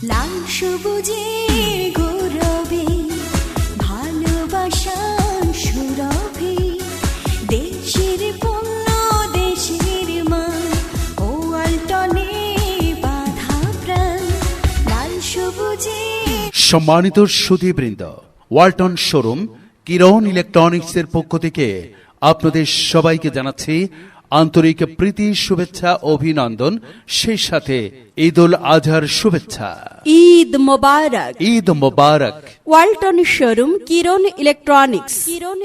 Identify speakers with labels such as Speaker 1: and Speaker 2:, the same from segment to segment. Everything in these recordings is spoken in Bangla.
Speaker 1: লাল সবুজে গৌরবে ভালোবাসার সুরভি, দেশের পণ্য দেশের মান, ও ওয়ালটনে বাঁধা প্রাণ। লাল সবুজে।
Speaker 2: সম্মানিত সুধীবৃন্দ, ওয়ালটন শোরুম কিরণ ইলেকট্রনিক্সের পক্ষ থেকে আপনাদের সবাইকে জানাচ্ছি আন্তরিক প্রীতি, শুভেচ্ছা, অভিনন্দন, সেই সাথে ঈদ উল আজহার শুভেচ্ছা।
Speaker 3: Eid Mubarak.
Speaker 2: Eid Mubarak.
Speaker 3: Walton showroom Kiran electronics.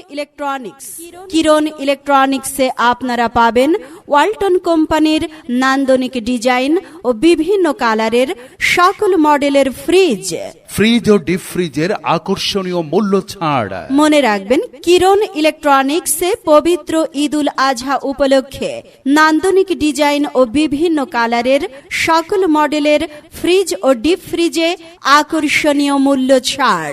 Speaker 3: Kiran ইলেকট্রনিক্সে আপনারা পাবেন ওয়ালটন কোম্পানির নান্দনিক ডিজাইন ও বিভিন্ন কালারের সকল মডেলের ফ্রিজ
Speaker 2: ও ডিপ ফ্রিজের আকর্ষণীয় মূল্য ছাড়।
Speaker 3: মনে রাখবেন, কিরণ ইলেকট্রনিক্সে পবিত্র ঈদ উল আজহা উপলক্ষে নান্দনিক ডিজাইন ও বিভিন্ন কালারের সকল মডেলের ফ্রিজ ও ডিপ ফ্রিজে আকর্ষণীয় মূল্য ছাড়।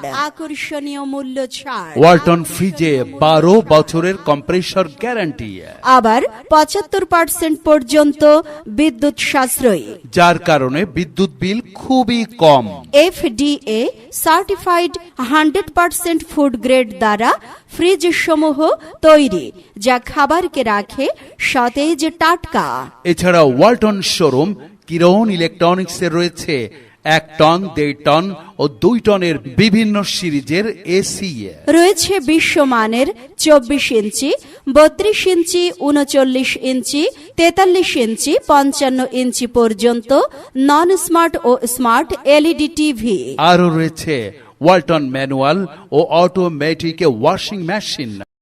Speaker 2: ওয়ালটন ফ্রিজে 12 বছরের কম্প্রেসর গ্যারান্টি,
Speaker 3: আবার 75% পর্যন্ত বিদ্যুৎ সাশ্রয়ী,
Speaker 2: যার কারণে বিদ্যুৎ বিল খুবই কম।
Speaker 3: FDA সার্টিফাইড 100% ফুড গ্রেড দ্বারা ফ্রিজ সমূহ তৈরি, যা খাবারকে রাখে সতেজ টাটকা।
Speaker 2: এছাড়া ওয়ালটন শোরুম কিরণ ইলেকট্রনিক্সের রয়েছে 1 টন, 1.5 টন ও 2 টনের বিভিন্ন সিরিজের এসি।
Speaker 3: রয়েছে বিশ্বমানের 24 ইঞ্চি, 32 ইঞ্চি, 39 ইঞ্চি, 43 ইঞ্চি, 55 ইঞ্চি পর্যন্ত নন স্মার্ট ও স্মার্ট এলইডি টিভি।
Speaker 2: আরও রয়েছে ওয়ালটন ম্যানুয়াল ও অটোমেটিক ওয়াশিং মেশিন।